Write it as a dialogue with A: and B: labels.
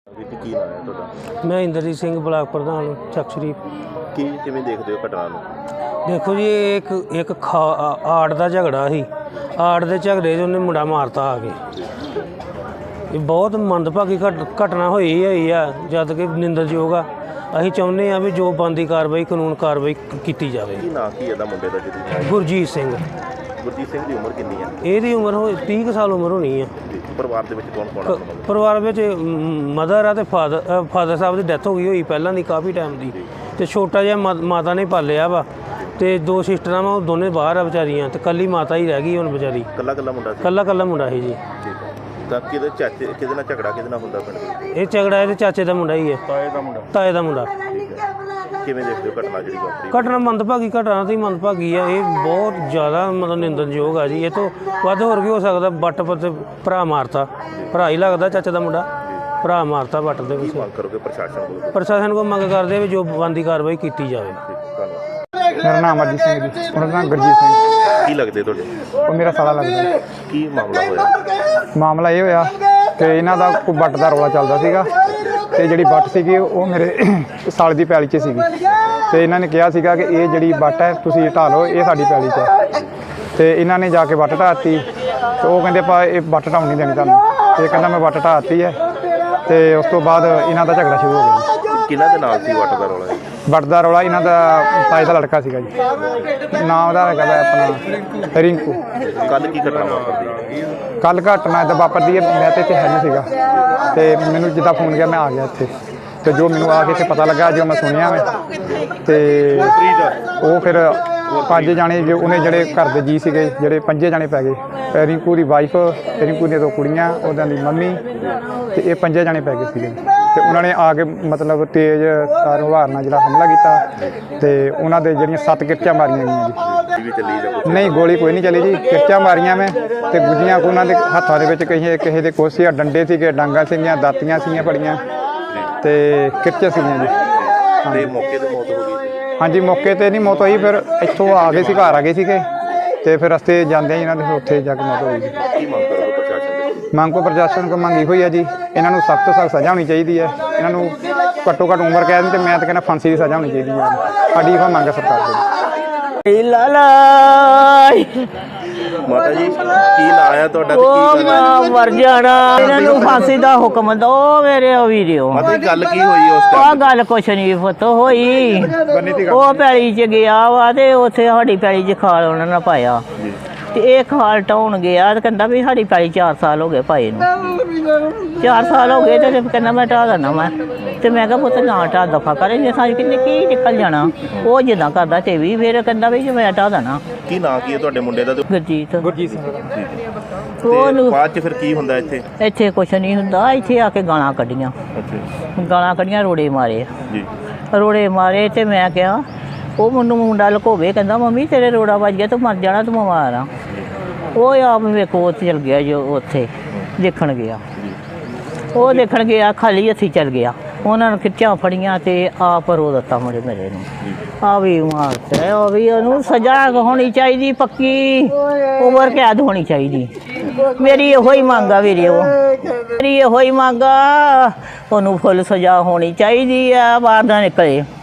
A: ਕੀ ਨਾਮ ਹੈ ਤੁਹਾਡਾ?
B: मैं इंद्रजीत सिंह ब्लाक प्रधान ਚੱਕ ਸ਼ਰੀਫ।
A: ਕਿਵੇਂ ਦੇਖਦੇ ਹੋ ਘਟਨਾ ਨੂੰ?
B: देखो जी एक आड़ का झगड़ा ਸੀ। आड़ के झगड़े 'ਚ ਉਹਨੇ ਮੁੰਡਾ ਮਾਰਤਾ ਆ ਕੇ। ਇਹ ਬਹੁਤ ਮੰਦਭਾਗੀ ਘਟਨਾ ਹੋਈ ਆ ਜਦ ਕਿ ਨਿੰਦਣਯੋਗ ਆ। ਅਸੀਂ ਚਾਹੁੰਦੇ ਆ ਵੀ ਜੋ ਬਣਦੀ ਕਾਰਵਾਈ ਕਾਨੂੰਨ ਕਾਰਵਾਈ ਕੀਤੀ ਜਾਵੇ।
A: ਕੀ ਨਾਂ ਕੀ ਇਹਦਾ ਮੁੰਡੇ ਦਾ ਜਿਹਦੀ?
B: ਗੁਰਜੀਤ ਸਿੰਘ।
A: ਗੁਰਜੀਤ ਸਿੰਘ ਦੀ ਉਮਰ ਕਿੰਨੀ ਹੈ?
B: ਇਹਦੀ ਉਮਰ 30 ਕੁ ਸਾਲ ਉਮਰ ਹੋਣੀ ਆ।
A: ਪਰਿਵਾਰ ਦੇ ਵਿੱਚ ਕੌਣ ਕੌਣ?
B: ਪਰਿਵਾਰ ਵਿੱਚ ਮਦਰ ਆ ਤੇ ਫਾਦਰ ਸਾਹਿਬ ਦੀ ਡੈਥ ਹੋ ਗਈ ਹੋਈ ਪਹਿਲਾਂ ਦੀ ਕਾਫੀ ਟਾਈਮ ਦੀ, ਤੇ ਛੋਟਾ ਜਿਹਾ ਮਾਤਾ ਨੇ ਪਾਲਿਆ ਵਾ, ਤੇ ਦੋ ਸਿਸਟਰਾਂ ਵਾ ਉਹ ਦੋਨੇ ਬਾਹਰ ਆ ਵਿਚਾਰੀਆਂ, ਤੇ ਕੱਲੀ ਮਾਤਾ ਹੀ ਰਹਿ ਗਈ ਹੁਣ ਵਿਚਾਰੀ।
A: ਕੱਲਾ ਮੁੰਡਾ ਸੀ? ਕੱਲਾ
B: ਮੁੰਡਾ ਸੀ ਜੀ।
A: ਤਾਂ ਕਿਹਦੇ ਚਾਚੇ ਕਿਹਦੇ ਨਾਲ ਝਗੜਾ ਕਿਹਦੇ ਨਾਲ ਹੁੰਦਾ ਪਿੰਡ?
B: ਇਹ ਝਗੜਾ ਇਹਦੇ ਚਾਚੇ ਦਾ ਮੁੰਡਾ ਹੀ ਹੈ। ਤਾਏ ਦਾ ਮੁੰਡਾ।
A: ਕਿਵੇਂ ਦੇਖਦੇ ਹੋ ਘਟਨਾ ਜਿਹੜੀ ਵਾਪਰੀ?
B: ਘਟਨਾ ਮੰਦਭਾਗੀ ਘਟਨਾ ਤੇ ਮੰਦਭਾਗੀ ਆ। ਇਹ ਬਹੁਤ ਜ਼ਿਆਦਾ ਮਤਲਬ ਨਿੰਦਣਯੋਗ ਆ ਜੀ। ਇਹ ਤੋਂ ਵੱਧ ਹੋਰ ਕੀ ਹੋ ਸਕਦਾ? ਬੱਟ ਪਰ ਤੇ ਭਰਾ ਮਾਰਤਾ, ਭਰਾ ਹੀ ਲੱਗਦਾ ਚਾਚੇ ਦਾ ਮੁੰਡਾ, ਭਰਾ ਮਾਰਤਾ ਬੱਟ ਦੇ ਵਿੱਚ।
A: ਮੰਗ ਕਰੋਗੇ ਪ੍ਰਸ਼ਾਸਨ ਕੋਲ?
B: ਪ੍ਰਸ਼ਾਸਨ ਕੋਲ ਮੰਗ ਕਰਦੇ ਵੀ ਜੋ ਬਣਦੀ ਕਾਰਵਾਈ ਕੀਤੀ ਜਾਵੇ।
C: ਮੇਰਾ ਨਾਮ ਅਮਰਜੀਤ ਸਿੰਘ ਜੀ। ਉਹਨਾਂ ਦਾ ਨਾਮ ਗੁਰਜੀਤ ਸਿੰਘ।
A: ਕੀ ਲੱਗਦੇ ਤੁਹਾਡੇ?
C: ਉਹ ਮੇਰਾ ਸਾਲਾ ਲੱਗਦਾ।
A: ਕੀ ਮਾਮਲਾ ਹੋਇਆ?
C: ਮਾਮਲਾ ਇਹ ਹੋਇਆ ਕਿ ਇਹਨਾਂ ਦਾ ਕੋਈ ਬੱਟ ਦਾ ਰੌਲਾ ਚੱਲਦਾ ਸੀਗਾ, ਤੇ ਜਿਹੜੀ ਬੱਟ ਸੀਗੀ ਉਹ ਮੇਰੇ ਸਾਲ ਦੀ ਪੈਲੀ 'ਚ ਸੀਗੀ, ਤੇ ਇਹਨਾਂ ਨੇ ਕਿਹਾ ਸੀਗਾ ਕਿ ਇਹ ਜਿਹੜੀ ਬੱਟ ਹੈ ਤੁਸੀਂ ਢਾਹ ਲਓ, ਇਹ ਸਾਡੀ ਪੈਲੀ 'ਚ ਹੈ। ਤੇ ਇਹਨਾਂ ਨੇ ਜਾ ਕੇ ਬੱਟ ਢਾਹਤੀ, ਤੇ ਉਹ ਕਹਿੰਦੇ ਆਪਾਂ ਇਹ ਬੱਟ ਢਾਉਣ ਨਹੀਂ ਦੇਣੀ ਤੁਹਾਨੂੰ, ਤੇ ਕਹਿੰਦਾ ਮੈਂ ਬੱਟ ਢਾਹਤੀ ਹੈ। ਤੇ ਉਸ ਤੋਂ ਬਾਅਦ ਇਹਨਾਂ ਦਾ ਝਗੜਾ ਸ਼ੁਰੂ ਹੋ ਗਿਆ।
A: ਕਿਹਨਾਂ ਦੇ ਨਾਲ ਸੀ ਬੱਟ ਦਾ ਰੌਲਾ?
C: ਬੱਟ ਦਾ ਰੌਲਾ ਇਹਨਾਂ ਦਾ ਤਾਏ ਦਾ ਲੜਕਾ ਸੀਗਾ ਜੀ। ਨਾਮ ਉਹਦਾ ਹੈਗਾ ਆਪਣਾ ਰਿੰਕੂ।
A: ਕੱਲ ਕੀ ਘਟਨਾ ਵਾਪਰਦੀ?
C: ਕੱਲ ਘਟਨਾ ਇੱਦਾਂ ਵਾਪਰਦੀ ਹੈ, ਮੈਂ ਤਾਂ ਇੱਥੇ ਹੈ ਨਹੀਂ ਸੀਗਾ, ਤੇ ਮੈਨੂੰ ਜਿੱਦਾਂ ਫੋਨ ਗਿਆ ਮੈਂ ਆ ਗਿਆ ਇੱਥੇ, ਤੇ ਜੋ ਮੈਨੂੰ ਆ ਕੇ ਇੱਥੇ ਪਤਾ ਲੱਗਾ, ਜੋ ਮੈਂ ਸੁਣਿਆ ਮੈਂ, ਤੇ ਉਹ ਫਿਰ 5 ਜਾਣੇ ਜੋ ਉਹਨੇ ਜਿਹੜੇ ਘਰ ਦੇ ਜੀ ਸੀਗੇ, ਜਿਹੜੇ 5 ਜਾਣੇ ਪੈ ਗਏ। ਰਿੰਕੂ ਦੀ ਵਾਈਫ, ਰਿੰਕੂ ਦੀਆਂ 2 ਕੁੜੀਆਂ, ਉਹਦਾਂ ਦੀ ਮੰਮੀ, ਤੇ ਇਹ 5 ਜਾਣੇ ਪੈ ਗਏ ਸੀਗੇ। ਤੇ ਉਹਨਾਂ ਨੇ ਆ ਕੇ ਮਤਲਬ ਤੇਜ਼ ਤਲਵਾਰ ਨਾਲ ਜਿਹੜਾ ਹਮਲਾ ਕੀਤਾ, ਤੇ ਉਹਨਾਂ ਦੇ ਜਿਹੜੀਆਂ 7 ਕਿਰਚਾਂ ਮਾਰੀਆਂ ਗਈਆਂ ਜੀ। ਨਹੀਂ, ਗੋਲੀ ਕੋਈ ਨਹੀਂ ਚੱਲੀ ਜੀ, ਕਿਰਚਾਂ ਮਾਰੀਆਂ ਮੈਂ, ਤੇ ਗੁੱਜੀਆਂ ਕੋ ਉਹਨਾਂ ਦੇ ਹੱਥਾਂ ਦੇ ਵਿੱਚ ਕਿਸੇ ਦੇ ਕੋਸੀਆਂ ਡੰਡੇ ਸੀਗੇ, ਡਾਂਗਾਂ ਸੀਗੀਆਂ, ਦਾਤੀਆਂ ਸੀਗੀਆਂ ਫੜੀਆਂ, ਤੇ ਕਿਰਚੇ ਸੀਗੀਆਂ ਜੀ।
A: ਤੇ ਮੌਕੇ ਤੇ ਮੌਤ ਹੋ ਗਈ?
C: ਹਾਂਜੀ, ਮੌਕੇ ਤੇ ਨਹੀਂ ਮੌਤ ਹੋਈ, ਫਿਰ ਇੱਥੋਂ ਆ ਗਏ ਸੀ, ਘਰ ਆ ਗਏ ਸੀਗੇ, ਤੇ ਫਿਰ ਰਸਤੇ ਜਾਂਦੇ ਇਹਨਾਂ ਦੇ ਉੱਥੇ ਜਾ ਕੇ ਮੌਤ ਹੋਈ ਜੀ।
A: ਕੀ ਮੰਗ ਕਰੋਗੇ ਪ੍ਰਸ਼ਾਸਨ ਦੇ?
C: ਮੰਗ ਕੋ ਪ੍ਰਸ਼ਾਸਨ ਕੋ ਮੰਗੀ ਹੋਈ ਹੈ ਜੀ, ਇਹਨਾਂ ਨੂੰ ਸਖਤ ਤੋਂ ਸਖਤ ਸਜ਼ਾ ਹੋਣੀ ਚਾਹੀਦੀ ਹੈ। ਇਹਨਾਂ ਨੂੰ ਘੱਟੋ ਘੱਟ ਉਮਰ ਕੈਦ, ਤੇ ਮੈਂ ਤਾਂ ਕਹਿੰਦਾ ਫਾਂਸੀ ਦੀ ਸਜ਼ਾ ਹੋਣੀ ਚਾਹੀਦੀ ਹੈ। ਸਾਡੀ ਇਹ ਮੰਗ ਹੈ ਸਰਕਾਰ ਕੋਲ।
A: ਮਾਤਾ ਜੀ ਕੀ ਨਾਂ ਆ ਤੁਹਾਡਾ ਤੇ ਕੀ ਕਰਨਾ?
D: ਮਰ ਜਾਣਾ, ਇਹਨਾਂ ਨੂੰ ਫਾਂਸੀ ਦਾ ਹੁਕਮ ਦੋ ਮੇਰੇ ਵੀਡੀਓ।
A: ਮਾਤਾ ਜੀ ਗੱਲ ਕੀ ਹੋਈ ਉਸ
D: ਆ
A: ਟਾਈਮ?
D: ਗੱਲ ਕੁਛ ਨਹੀਂ ਪੁੱਤ ਹੋਈ। ਉਹ ਪੈਲੀ 'ਚ ਗਿਆ ਵਾ, ਤੇ ਉੱਥੇ ਸਾਡੀ ਪੈਲੀ 'ਚ ਖਾਲ ਉਹਨਾਂ ਨੇ ਪਾਇਆ, ਤੇ ਇਹ ਖਾਲ ਢਾਉਣ ਗਿਆ, ਤੇ ਕਹਿੰਦਾ ਵੀ ਸਾਡੀ ਪੈਲੀ 4 ਸਾਲ ਹੋ ਗਏ ਪਾਏ ਨੂੰ, 4 ਸਾਲ ਹੋ ਗਏ, ਤੇ ਕਹਿੰਦਾ ਮੈਂ ਢਾਹ ਦੇਣਾ ਮੈਂ। ਤੇ ਮੈਂ ਕਿਹਾ ਪੁੱਤ ਨਾ ਢਾਹ, ਦਫਾ ਕਰ, ਇਹ ਸਾਰੀ ਕਿੰਨੇ ਕੀ ਨਿਕਲ ਜਾਣਾ। ਉਹ ਜਿੱਦਾਂ ਕਰਦਾ ਤੇ ਵੀ ਫਿਰ ਕਹਿੰਦਾ ਵੀ ਮੈਂ ਢਾਹ ਦੇਣਾ।
A: ਕੀ ਨਾਂ ਕੀ ਹੈ ਤੁਹਾਡੇ ਮੁੰਡੇ ਦਾ?
D: ਗੁਰਜੀਤ
C: ਸਿੰਘ।
A: ਤੇ ਬਾਅਦ ਚ ਫਿਰ ਕੀ ਹੁੰਦਾ ਇੱਥੇ?
D: ਇੱਥੇ ਕੁਛ ਨਹੀਂ ਹੁੰਦਾ, ਇੱਥੇ ਆ ਕੇ ਗਾਲਾਂ ਕੱਢੀਆਂ, ਗਾਲਾਂ ਕੱਢੀਆਂ, ਰੋੜੇ ਮਾਰੇ
A: ਜੀ,
D: ਰੋੜੇ ਮਾਰੇ। ਤੇ ਮੈਂ ਕਿਹਾ ਉਹ ਮੈਨੂੰ ਮੁੰਡਾ ਲੁਕੋਵੇ, ਕਹਿੰਦਾ ਮੰਮੀ ਤੇਰੇ ਰੋੜਾ ਵੱਜ ਗਿਆ, ਤੂੰ ਮਰ ਜਾਣਾ, ਤੂੰ ਬਿਮਾਰ ਆ। ਉਹ ਆਪ ਵੇਖੋ ਉੱਥੇ ਚਲ ਗਿਆ, ਜੋ ਉੱਥੇ ਦੇਖਣ ਗਿਆ, ਉਹ ਦੇਖਣ ਗਿਆ, ਖਾਲੀ ਹੱਥੀ ਚਲ ਗਿਆ। ਉਹਨਾਂ ਨੂੰ ਖਿੱਚਾਂ ਫੜੀਆਂ, ਤੇ ਆਪ ਰੋ ਦਿੱਤਾ ਮੁੰਡੇ ਮੇਰੇ ਨੂੰ। ਆ ਵੀ ਮਾਰਤਾ, ਉਹ ਵੀ ਉਹਨੂੰ ਸਜ਼ਾ ਹੋਣੀ ਚਾਹੀਦੀ, ਪੱਕੀ ਉਮਰ ਕੈਦ ਹੋਣੀ ਚਾਹੀਦੀ। ਮੇਰੀ ਇਹੋ ਹੀ ਮੰਗ ਆ ਵੀਰੇ, ਮੇਰੀ ਇਹੋ ਹੀ ਮੰਗ ਆ, ਉਹਨੂੰ ਫੁੱਲ ਸਜ਼ਾ ਹੋਣੀ ਚਾਹੀਦੀ ਆ, ਬਾਹਰ ਨਾ ਨਿਕਲੇ।